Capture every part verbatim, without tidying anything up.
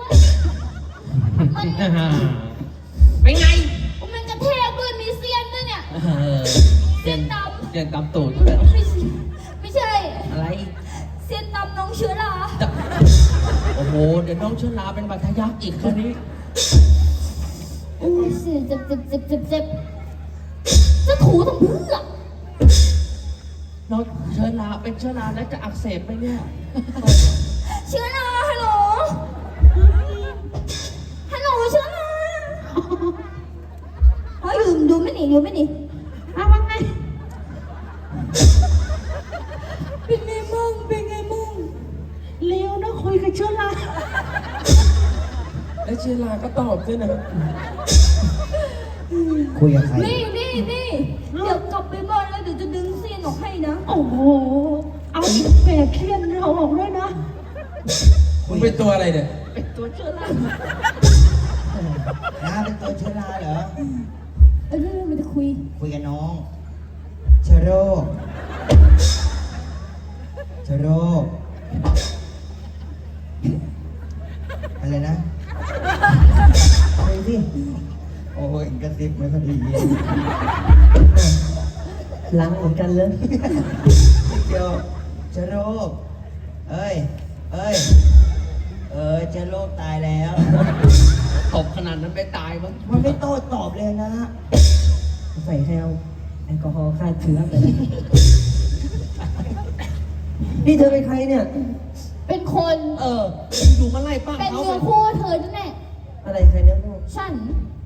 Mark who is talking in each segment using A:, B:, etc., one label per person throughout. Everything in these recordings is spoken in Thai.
A: มัน
B: เป็นไง
A: มันกระแทกด้วยมีเสี้ยนด้วยเนี่ย
B: เออ
A: เสี้ยนด
B: เสียนตำตูดด้วย
A: ำไม่ใช่ไม่ใช่
B: อะไร
A: เสี้ยนดำน้องเชื้อรา
B: จะโอ้โห เดี๋ยวน้องเชื้อราเป็นบาดทะยักอีกคราวนี้
A: โอ้ยเสียเจ็บเจ็บเจ็บเจ็บเจ็บจะถูทำเพื่อ
B: น้องเชื้อราเป็นเชื้อราแล้วจะอักเสบไหมเนี่ย
A: เชื้อราฮัลโหลฮัลโหลเชื้อราเฮ้ยดูดูไม่หนีดูไม่หนีอ้าวว่าไงเป็นไงมึงเป็นไงมึง
B: เลี้ยวนะคุยกับเชื้อราแล้วเชื้อราก็ตอบด้วยนะ
C: คุยกับใคร
A: นี่นี่นี่เดี๋ยวกลับไปบ้านแล้วเดี๋ยวจะดึงเสี้ยนออกให้นะ
B: โอ้โห เอาแบกเครียดเราออกด้วยนะ
D: มึงเป็นตัวอะไรเนี่ย
B: เป็นตัวเชื้อรา
C: น้าเป็นตัวเชื้อราเหรอ
A: เออเรื่องมันจะคุย
C: คุยกับน้องเชื้อโรคเชื้อโรคอะไรนะคุยสิโอ้ยกระซิบไม่พอดีล้างเหมือนกันเลยเดี๋ยวเชื้อโรคเอ้ยเอ้ยเออเชื้อโรคตายแล้ว
B: ตบขนาดนั้นไปตายมั้ง
C: มันไม่โต้ตอบเลยนะใส่แคลแอลกอฮอล์ฆ่าเชื้อไปเลยนี่เธอเป็นใครเนี่ย
A: เป็นคน
B: เอออยู่มาไล่ป้า
A: เป็น
B: เขา
A: เนื้อคู่เธอนั่นแหละ
C: อะไรใครเนื้อคู่
A: ฉัน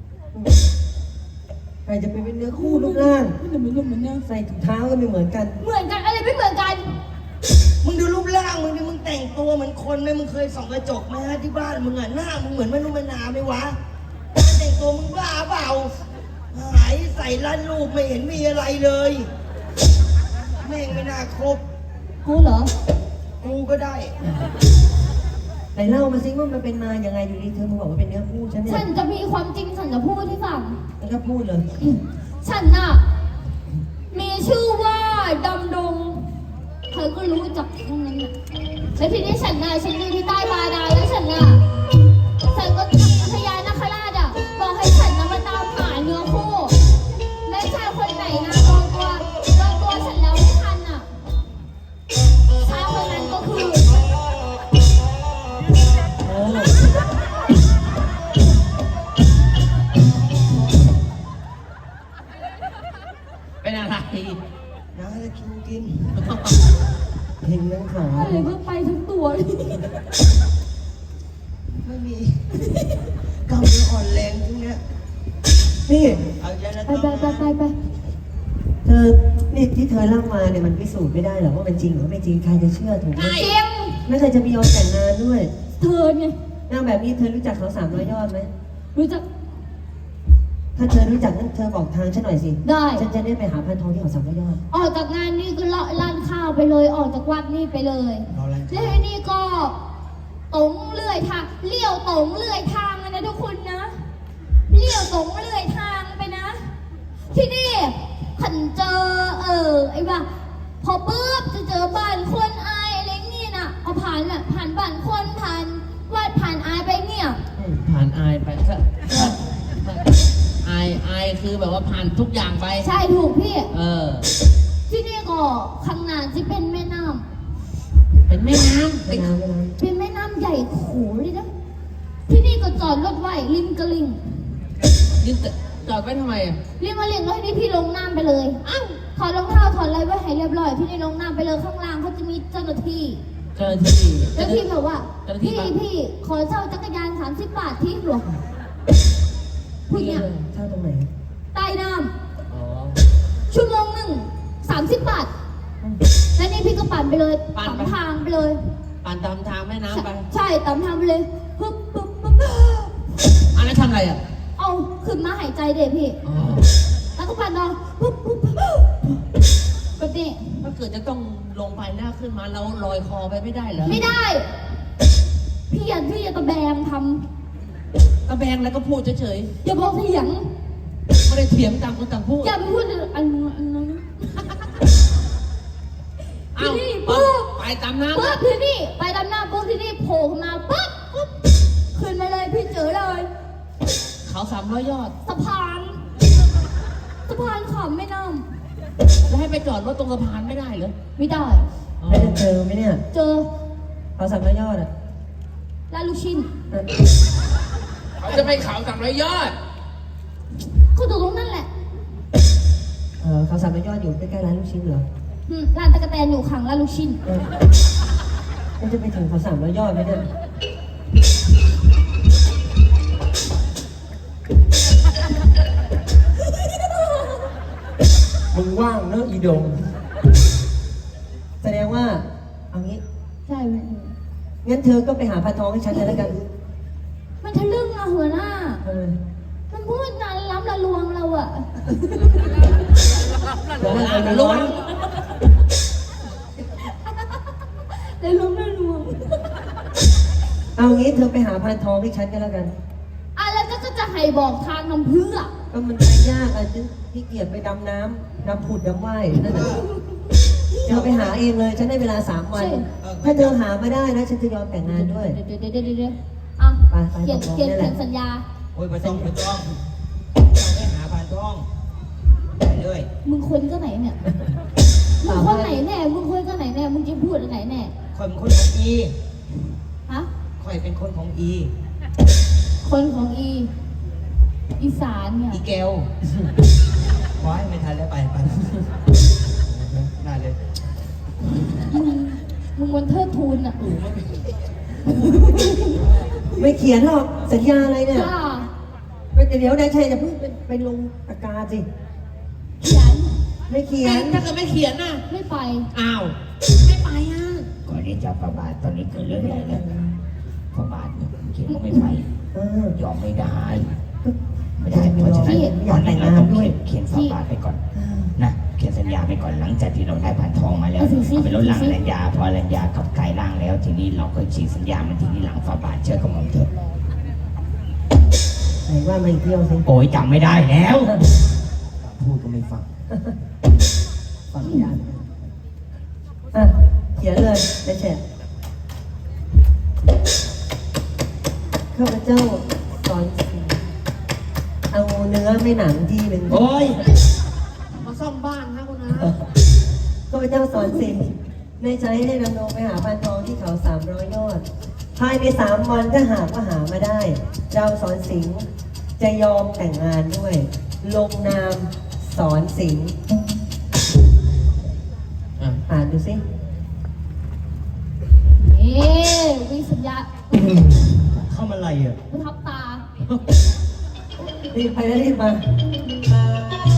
C: ใครจะไปเป็นเนื้อคู่รูปร่าง
A: เหมือนเหมือนเนี่ย
C: ใส่ถุงเท้าก็ไม่เหมือนกัน
A: เหมือนกันอะไรไม่เหมือนกัน
C: มึงดูรูปร่างมึงดิมึงแต่งตัวเหมือนคนไหมมึงเคยส่องกระจกไหมฮะที่บ้านมึงอ่ะหน้ามึงเหมือนมนุษย์มนาไหมวะการแต่งตัวมึงบ้าเปล่าหายใส่ลั่นรูปไม่เห็นมีอะไรเลย แม่งไม่น่าครบ
A: กูเหรอ
C: กูก็ได้ไหนเล่ามาสิว่ามันเป็นมาอย่างไงอยู่ดีเธอมาบอกว่าเป็นเนื้อคู่ฉันเนี่ย
A: ฉันจะมีความจริงฉันจะพูดให้ฟัง
C: มันก็พูดเลย
A: ฉันน่ะ มีชื่อว่าดำดง เธอก็รู้จักทั้งนั้นน่ะแล้วทีนี้ฉันน่ะฉันอยู่ที่ใต้บาดาลแล้วฉันน่ะฉันก็พญานาคราชอ่ะบอกให้ฉันน่ะมาตามหาเนื้อคู่และชายคนไหนนะลองตัวลองตัวฉันแล้วไม่ทันอ่ะชายคนนั้นก็คือ
C: โอ้
B: เป็นอะไร
C: น้าจะกินกินเห็นยังขา
A: อะไรเพิ่งไปทั้งตัวเลย
C: ไม่มีกำลังอ่อนแรงทุกเนี้ยนี่เอาใจละ
A: ไปไปไปไปไป
C: เธอนี่ที่เธอเล่ามาเนี่ยมันพิสูจน์ไม่ได้หรอกว่ามันจริงหรือไม่จริงใครจะเชื่อถูกไหม
A: เจียง
C: ไม่เคยจะมียอมแต่งงานด้วย
A: เธอไง
C: นางแบบนี้เธอรู้จักเขาสามร้อยยอดไหม
A: รู้จัก
C: ถ้าเธอรู้จักนั้นเธอบอกทางฉันหน่อยสิ
A: ได้
C: ฉันจะได้ไปหาพันทองที่เขาสามร้อยยอด
A: ออกจากงานนี่ก็เลาะร้านข้าวไปเลย ออกจากวัดนี่ไปเลย
C: เราร้านข้าว
A: แล้วทีนี่ก็ตรงเลื่อยทางเลี้ยวตรงเลื่อยทางนะทุกคนนะเลี้ยวตรงเลื่อยทางไปนะ ที่นี่ขันเจอเออไอ้ว่าพอปุ๊บจะเจอบ้านคนอายอะไรนี่น่ะเอาผ่านน่ะผ่านบ้านคนผ่านวัดผ่านอายไปเนี่ย
B: ผ่านอายไปก็อายอายคือแบบว่าผ่านทุกอย่างไป
A: ใช่ถูกพี่
B: เออ
A: ที่นี่ก็ข้างหน้าที่เป็นแม่น้ำ
B: เป็นแม่น้ำ
C: ไม่
B: เป็น
C: นานไม่นาน
A: เป็นแม่น้ำใหญ่โขเลยนะ ที่นี่ก็จอดรถไว้ริมกระลิง
B: ยืนจอดไว้ทำไมอ่ะ
A: ริมกระลิงแล้วทีนี้พี่ลงน้ำไปเลยอ้าวถอดรองเท้าถอดอะไรไว้ให้เรียบร้อยพี่นี่ลงน้ำไปเลยข้างล่างเขาจะมีเจ้าหน้าที่
B: เจ้าหน้าที่
A: เจ้าหน้าที่แบบว่า
B: เจ้าหน้าที่
A: พี่
B: ปะ
A: พี่ขอเช่าจักรยานสามสิบบาทที่หลวงผู้หญิง
C: เช่าตรงไหน
A: ใต้น้
B: อ๋อ
A: ำชั่วโมงหนึ่งสามสิบบาท แล้วนี่พี่ก็ปั่นไปเลย
B: ปั่น
A: ตาม
B: ไป
A: ทางไปเลย
B: ปั่นตามทางแม่น้ำไป
A: ใช่ตามทางไปเลยปึ๊บปึ๊บปึ๊บ
B: อันนั้นทำอะไรอ่ะ
A: เอาขึ้นมาหายใจเด็พี่
B: อ๋อ
A: แล้วก็ปั่นต่อปุ๊บปุ๊บปุ๊บแบบนี้
B: ถ้าเกิดจะต้องลงไปหน้าขึ้นมาเราลอยคอไปไม่ได้เหรอ
A: ไม่ได้ พี่อย่าพี่อย่าตะแบงท
B: ตะแบงแล้วก็พูดเฉย
A: ำอย่าบอกเสียง
B: ๆไม่ได้เถียงต่างคนต่างพูด
A: อย่าไปพูดอันอันนั้น
B: เอ้า
A: ที่นี่
B: ปุ๊
A: ปุ๊
B: บบ ไปตามน้ำ
A: ปุ๊บที่นี่ไปดำหน้าปุ๊บที่นี่โผล่ขึ้นมาปุ๊บปุ๊บขึ้นอเลย
B: เขาสามร้อยยอด
A: สะพานสะพานขามแม่น้
B: แล้วให้ไปจอดรถตรงสะพานไม่ได้เหรอ
A: ำไม่ได้
B: อ๋อ
E: ไม่ได้เจอไหมเนี่ย
A: เจอ
E: เขาสามร้อยยอดอ่ะ
A: ลาดลูกชิ้น
E: เออ
D: เขาจะไปเขาสามร้อยยอด
A: ก็อยู่ตรงนั้นแหละ
E: เออเขาสามร้อยยอดอยู่ใกล้ๆร้านลูกชิ้นเหรอ
A: อืมร้านตะกะแตนอยู่ขังลาดลูกชิ้น
E: เออมันจะไปถึงเขาสามร้อยยอดไหมเนี่ย
D: มึงว่างเนอะอีดง
E: แสดงว่าเอางี้
A: ใช่ไหม
E: งั้นเธอก็ไปหาพันทองให้ฉันเลยแล้วกัน
A: มันทะลึ่งอะหัวหน้า
E: เออ
A: มันพูดนานล้ำละลวงเราอะ
E: เดี๋ยวให้ไป
B: ล้ว
E: ล้ว
B: ง
E: ง
A: แต่ล้ำละลวง
E: เอางี้เธอไปหาพันทองให้ฉันก็แล้วกัน
A: อ่ะแล้วก็จะให้บอกทางทำเพื่อ
E: ก็มันไปยากอ่ะฉันขี้เกียจไปดำน้ำดำผุดดำว่ายนั่นแหละเธอไปหาเองเลย ฉันได้เวลาสามวัน ถ้าเธอหามาได้นะฉันจะยอมแต่งงานด้วย
A: เดี๋ยวเดี๋ยวเดี๋ยวเดี๋ยวเดี๋ยวอ่ะ
E: ไปไป
A: เขียน
E: ตกลง
A: เขียน
E: ได้แหละ
A: เขียนสัญญา
C: โอ้ยไม่ต้องไม่ต้องเราไปหาพานทองไปเลย
A: มึงคนก็ไหนเนี่ย มึงคนไหนแน่ มึงคนก็ไหนแน่ มึงจะพูดอะไรแน่
C: คอยเป็นคนของอี
A: ฮะ
C: คอยเป็นคนของอี
A: คนของอี อีสานเนี่ย
C: อีแกวขอให้ไม่ทันแล้วไปไปได้เลย
A: มึง มึงวันเทิดทูนอ่ะ
E: ไม่เขียนหรอกสัญญาอะไรเนี่ย
A: จ้า
E: ไม่เดี๋ยวได้ชัยจะเพิ่งไปไปลงปากกาสิ
A: เขียน
E: ไม่เขียน
B: ถ้าเกิดไม่เขียนน่ะ
A: ไม่ไป
B: อ้าว ไม่ไปอ่ะ
F: ก่อนที่จะประบาทตอนนี้เกิดเรื่องใหญ่แล้วประบาทเนี่ยเขียนว่าไม่ไป
E: เออย
F: อมไม่ได้ ไม่ได้เพราะฉะนั้น
E: อยากแต่งงานด้วย
F: เขียนฝาบาทไปก่อนนะเขียนสัญญาไปก่อนหลังจากที่เราได้ผ่านทองมาแล้ว
A: เอาสิสิ
F: เอาไปลดล่างอรัญญาพออรัญญากับกายร่างแล้ว ทีนี้เราก็ฉีกสัญญามันทีนี้หลังฝาบาทเชื่อกับผมเถอะ
E: ไหนว่ามาอีกเที่ยวสิ
F: โอ้ยจำไม่ได้แล้วพูดก็ไม่ฟัง
E: ขออนุญาตอ่ะเขียนเลยได้แชร์ข้าพเจ้าสอนสีเอาเนื้อไม่หนังทีหนึ่ง
B: โอ้ย มาซ่อมบ้านนะคุณนะ
E: ข้าพเจ้าสอนสิในใจให้ดำรงไปหาพันทองที่เขาสามร้อยยอด ภายในสามวันถ้าหากว่าหามาได้ เราสอนสิงห์จะยอมแต่งงานด้วย ลงนามสอนสิงห์
B: อ่ะ
E: อ่านดูสิ
A: เอ๊วิสัญญา
C: เข้ามาอะไรอ่ะ
A: ประทับตา
E: รีบไปแล้วรีบมา